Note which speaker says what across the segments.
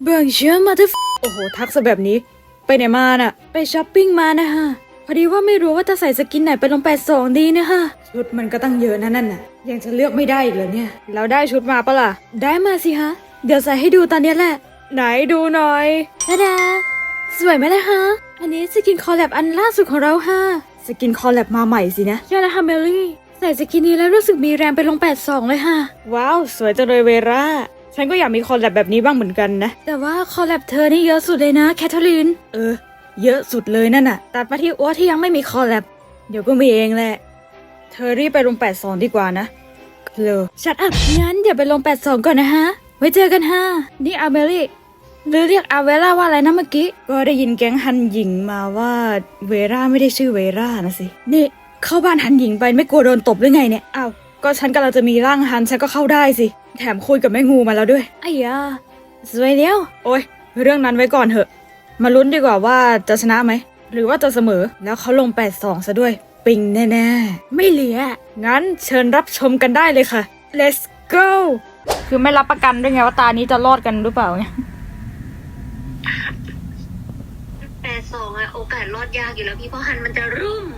Speaker 1: เบิ่งเชื่อมาที่โอ้โหทักซะแบบนี้ไปไหนมาน่ะไปช้อปปิ้งมานะฮะพอดีว่าไม่รู้ว่าจะใส่สกินไหนไปลง82ดีนะฮะชุดมันก็ตั้งเยอะนั่นน่ะยังจะเลือกไม่ได้อีกเหรอเนี่ยเราได้ชุดมาปะล่ะได้มาสิฮะเดี๋ยวใส่ให้ดูตอนนี้แหละไหนดูหน่อยทะดาสวยไหมล่ะฮะอันนี้สกินคอลแลบอันล่าสุดของเราฮะสกินคอลแลบมาใหม่สินะใช่แล้วฮะเมลลี่ใส่สกินนี้แล้วรู้สึกมีแรงไปลง82เลยฮะว้าวสวยจังเลยเวร่าฉันก็อยากมีคอลแลบแบบนี้บ้างเหมือนกันนะแต่ว่าคอลแลบเธอนี่เยอะสุดเลยนะแคทเธอรีนเยอะสุดเลยนั่นน่ะตัดมาที่อ้วที่ยังไม่มีคอลแลบเดี๋ยวก็มีเองแหละเธอรีบไปลง82ดีกว่านะเลอชัดอัพงั้นเดี๋ยวไปลง82ก่อนนะฮะไว้เจอกันฮะนี่อาเมลี่หรือเรียกอาเวล่าว่าอะไรนะเมื่อกี้ก็ได้ยินแก๊งฮันหญิงมาว่าเวร่าไม่ได้ชื่อเวร่านะสินี่เข้าบ้านฮันหญิงไปไม่กลัวโดนตบหรือไงเนี่ยอ้าวก็ฉันกำลังจะมีร่างฮันฉันก็เข้าได้สิแถมคุยกับแม่งูมาแล้วด้วยไอ้ยาสวยเดียวโอ้ยเรื่องนั้นไว้ก่อนเถอะมาลุ้นดีกว่าว่าจะชนะไหมหรือว่าจะเสมอแล้วเขาลง82ซะด้วยปิงแน่ๆไม่เหลืองั้นเชิญรับชมกันได้เลยค่ะ let's go คือไม่รับประกันด้วยไงว่าตานี้จะรอดกันหรือเปล่าเนี่ย
Speaker 2: 82อะโอกาสรอดยากอยู่แล้วพี่เพราะหันมันจะรุ่ม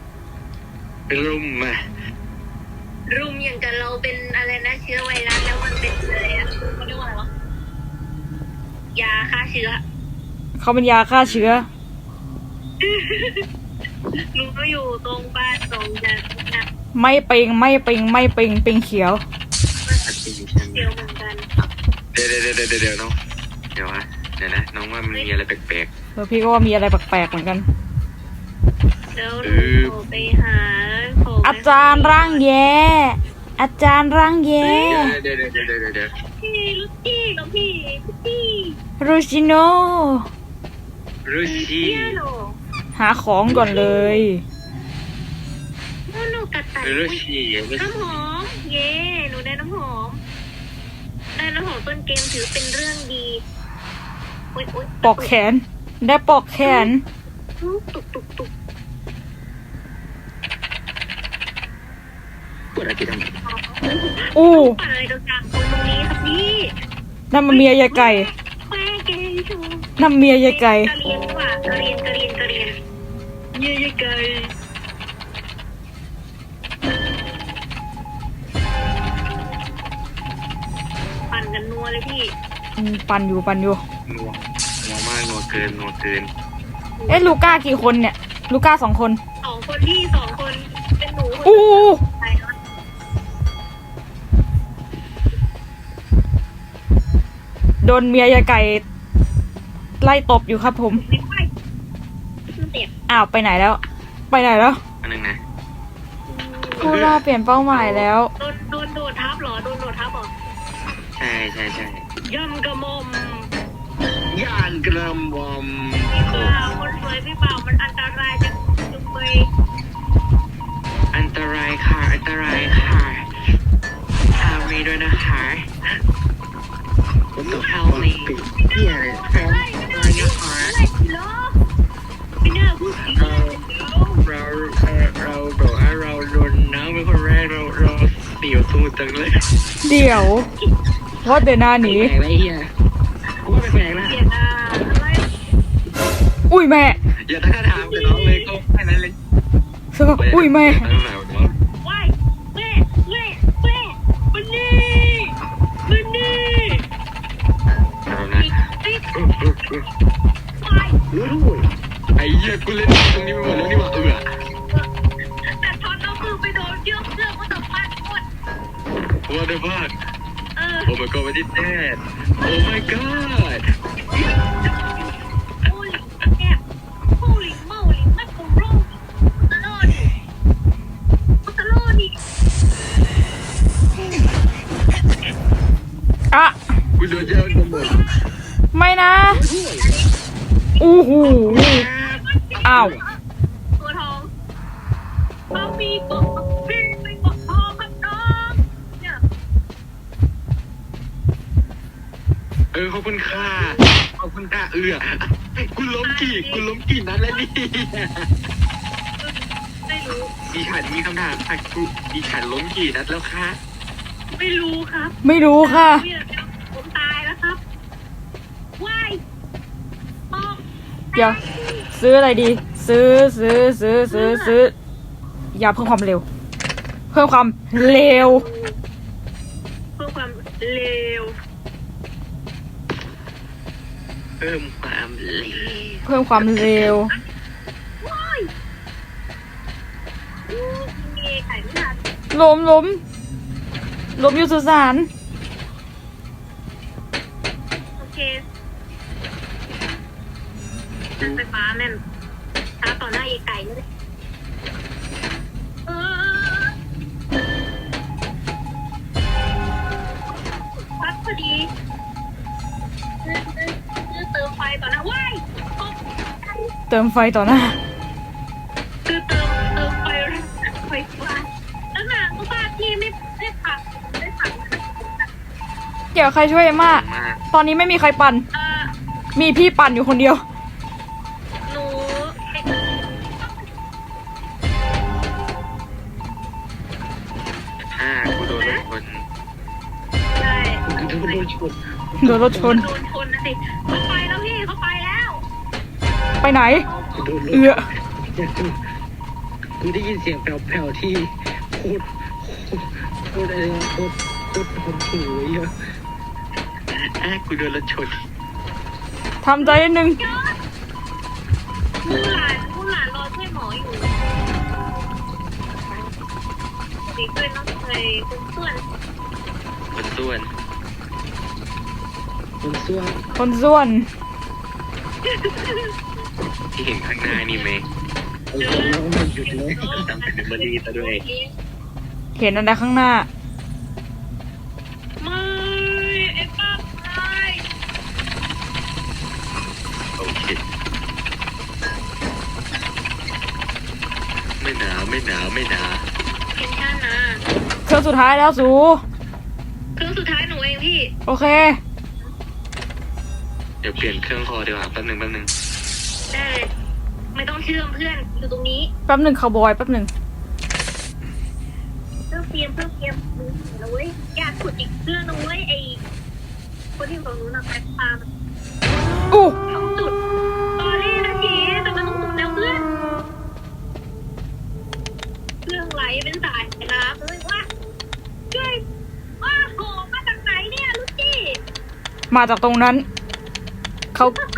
Speaker 2: อย่างกับเราเป็นอะไรนะเชื้อไวรัสแล้วมันเป็นอะไรอะเขาเรียกว่าอะไรวะยาฆ่าเชื้อ
Speaker 1: เขาเป็นยาฆ่าเชื้อ
Speaker 2: รู้ก็อยู่ตรงบ้านตรงจะ
Speaker 1: ไม่เปิงเขียว
Speaker 2: เดียวเหมือนกัน
Speaker 3: เดี๋ยวน้องเดี๋ยวนะน้องว่ามันมีอะไรแปลก
Speaker 1: พี่ก็ว่ามีอะไรแปลกๆเหมือนกัน
Speaker 2: เดี๋ยวหนูไปหา
Speaker 1: อาจารย์ร่างแย่อาจารย์ร่างแย่
Speaker 3: เดี๋ยว
Speaker 2: พี่ลูกพี่น้องพี่
Speaker 1: รูชิโนหาของก่อนเลย
Speaker 2: หนูกัดไตน้ำหอมเย่หนูได้น้ำหอมต้นเกมถือเป็นเรื่องดี
Speaker 1: ปอกแขนได้ปอกแขน
Speaker 2: ตุก
Speaker 3: ปวดอะไรกัน
Speaker 1: อู้
Speaker 2: อะไรตรงกลางตรงนี้ครับพี่
Speaker 1: นั่นมันเมียยายไก่นั่นเมียยายไก่
Speaker 2: กะเรียนเมียยายไก่ปั่นกันนัวเลยพี่
Speaker 1: ปั่นอยู่
Speaker 3: นัวมากนัวเกิน
Speaker 1: ลูก้ากี่คนเนี่ยลูก้า2 คน
Speaker 2: 2 คนพี่2 คนเป็นหนู
Speaker 1: โดนเมียยายไก่ไล่ตบอยู่ครับผมอ้าวไปไหนแล้ว
Speaker 3: อันนึงนะ
Speaker 1: ผู้ล่าเปลี่ยนเป้าหมายแล้ว
Speaker 2: โดนโดดทับเหรอ
Speaker 3: ใช่
Speaker 2: ย่ำกระมอม
Speaker 3: ย่านกระมอม
Speaker 2: คนสวยพี่เปล่ามันอันตรายจังเลย
Speaker 3: อันตรายค่ะทำมีด้วยนะคะผมต้องเข้าเลยเราโดนน้ำเป็นคนแรกเราเสียวตูดจังเลย
Speaker 1: เดี๋ยวว่าเดี๋ยวหน้าหนี
Speaker 3: แปลกไรเฮียว่าแปลกนะ
Speaker 1: อุ้ยแม่
Speaker 3: อย่าท้าทามกับน้องเลยก็แค่นั้นเลย
Speaker 1: อุ้ยแม่
Speaker 2: มันนี่
Speaker 3: ไอ้เหี้ยกูเล่นตรงนี้ไปหมดแล้วนี่หว่า
Speaker 2: แต่ทอนเอามือไปโดนเชือกก็ตกบ้านหมด
Speaker 3: What the fuck Oh my god what is that Oh my god
Speaker 2: Holy moly นักโกโร่ตลอดนี่
Speaker 1: อะ
Speaker 3: กูโดนเจ้าตัวหมด
Speaker 1: ไม่นะอู้หูอ้าว
Speaker 2: ตัวทองเขามีกบพี่เป็นกบทองครับน้องเนี่ย
Speaker 3: ขอบคุณค่ะกูล้มกี่นัดแล้วนี่
Speaker 2: ไม่รู้
Speaker 3: ดิฉันมีคำถามค่ะดิฉันล้มกี่นัดแล้วคะ
Speaker 2: ไม่รู้ครับ
Speaker 1: ไม่รู้ค่ะ
Speaker 2: ผมตายแล้วครับ
Speaker 1: เดี๋ยวซื้ออะไรดี ซื้อยาเพิ่มความเร็ว เพิ่มความเร็ว
Speaker 2: เพื่อความเร็ว
Speaker 3: เพิ่มความเร็ว
Speaker 1: เพิ่มความเร็ว
Speaker 2: ว้ายมีไข่ไม่ทัน
Speaker 1: ล้มอยู่สุสาน
Speaker 2: โอเคนั่นไฟฟ้าแม่นท้าต่อหน้าไอ้ไก่เลยพัดพอดีเติมไฟต่อหน้าว้ายตกใจ
Speaker 1: เติมไฟต่อหน้า
Speaker 2: คือเติมไฟฟ้าแล้วหนังก็บ้าที่ไม่ผัก
Speaker 1: เดี๋ยวใครช่วยเอมม่า
Speaker 3: มาก
Speaker 1: ตอนนี้ไม่มีใครปั่น
Speaker 2: เออ
Speaker 1: มีพี่ปั่นอยู่คนเดียว
Speaker 2: หนู
Speaker 3: กูโดนรถชน
Speaker 2: ใช่
Speaker 3: กูโดนรถชน
Speaker 1: โดนรถชน
Speaker 2: โดนชนนะสิเขาไปแล้วพี่เขาไปแล้ว
Speaker 1: ไปไหน
Speaker 3: กูโดนรถ
Speaker 1: เอือ
Speaker 3: กูได้ยินเสียงแผ่วๆที่โคตรอะไรวะโคตรหดหูยอ่ะกูโดนรถชน
Speaker 1: ทำใจนิดนึง
Speaker 2: มูหลานรอช่วยหมออยู่ดีด้วยน้องเคยคุณเพื่อน
Speaker 3: คนส่วนคนส่วน
Speaker 1: คนส่วน
Speaker 3: ที่เห็นข้างหน้านี่ไหมแล้วมันหยุดเลยทำเป็นบดีซะด้วย
Speaker 1: เห็นอะไรข้างหน้า
Speaker 2: ไม่ไอ้ป้าตาย
Speaker 3: โอเคไม่หนาว
Speaker 2: เป็นชาตินะ
Speaker 1: เครื่องสุดท้ายแล้วสู
Speaker 2: เครื่องสุดท้ายหนูเองพี่
Speaker 1: โอเค
Speaker 3: เดี๋ยวเปลี่ยนเครื่องคอดีกว่าแป๊บหนึง
Speaker 2: ได้เลยไม่ต้องเชื่อมเพื่อนอยู่ตรงนี้
Speaker 1: แป๊บหนึ่งคาวบอยแป๊บหนึ่ง
Speaker 2: เพื่อเตรียมมือนะเว้ยอยากขุดอีกเรื่องนึงเว้ยไอ้คนที่บอกหนูนะแพ็คปลา
Speaker 1: อู้
Speaker 2: ต้องจุดตอนนี้นาทีแต่มันต้องจุดแล้วเพื่อนเครื่องไหลเป็นสายน้ำเลยว่าช่วยว่าโหมาจากไหนเนี่ยลูกจี้
Speaker 1: มาจากตรงนั้น เขา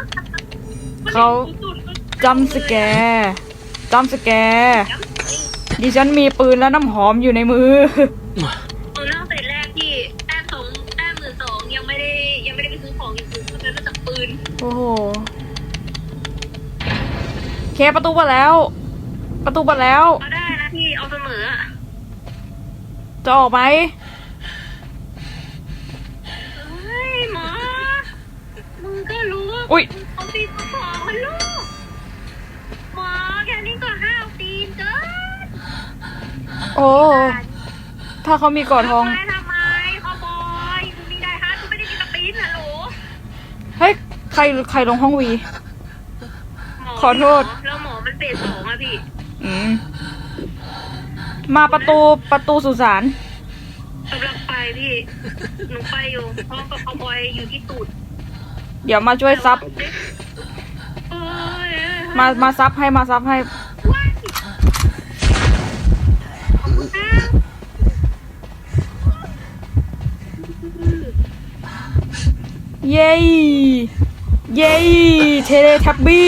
Speaker 1: จำสแกร์ดิฉันมีปืนและน้ำหอมอยู่ในมือ
Speaker 2: หนูนั่งเสร็จแรกที่แต้ม12,000ยังไม่ได้ไปซื้อของอย่างอื่นเพราะฉะนั้นจากปืน
Speaker 1: โอ้โหเคประตูเปิดแล้ว
Speaker 2: เอาได้นะพี่เอาเสมออะ
Speaker 1: จะออกไหม
Speaker 2: เฮ้ยหมอมึงก็รู้ว่า
Speaker 1: อุ๊ย
Speaker 2: เอาตีนมาของมันลูกหมอแค่นี้ก็ห้าวตีนเกิน
Speaker 1: โอ้ ถ้าเขามีกอดทอง
Speaker 2: ทำไมเขาบอยกูมีได้ฮะกูไม่ได้มีกระปิ้นนะโหล
Speaker 1: เฮ้ย ใครลงห้องวี
Speaker 2: หม
Speaker 1: ขอโทษ
Speaker 2: แล้วหมอมันเฟส2อะพี่
Speaker 1: มาประตูสุสาน
Speaker 2: กำลังไปพี่หนูไปอยู่พร้อมกับเขาบอยอยู่ที่ตูด
Speaker 1: เดี๋ยวมาช่วยซับ
Speaker 2: เอ้ย
Speaker 1: มาซับให้
Speaker 2: ว้ายขอบคุณนะ
Speaker 1: เย้เทเลทับบี้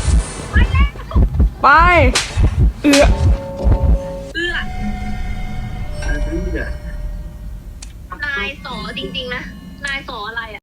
Speaker 1: ไป
Speaker 2: เอื้อ
Speaker 3: ๆ
Speaker 2: นายสอจริงๆนะ นายสออะไรอะ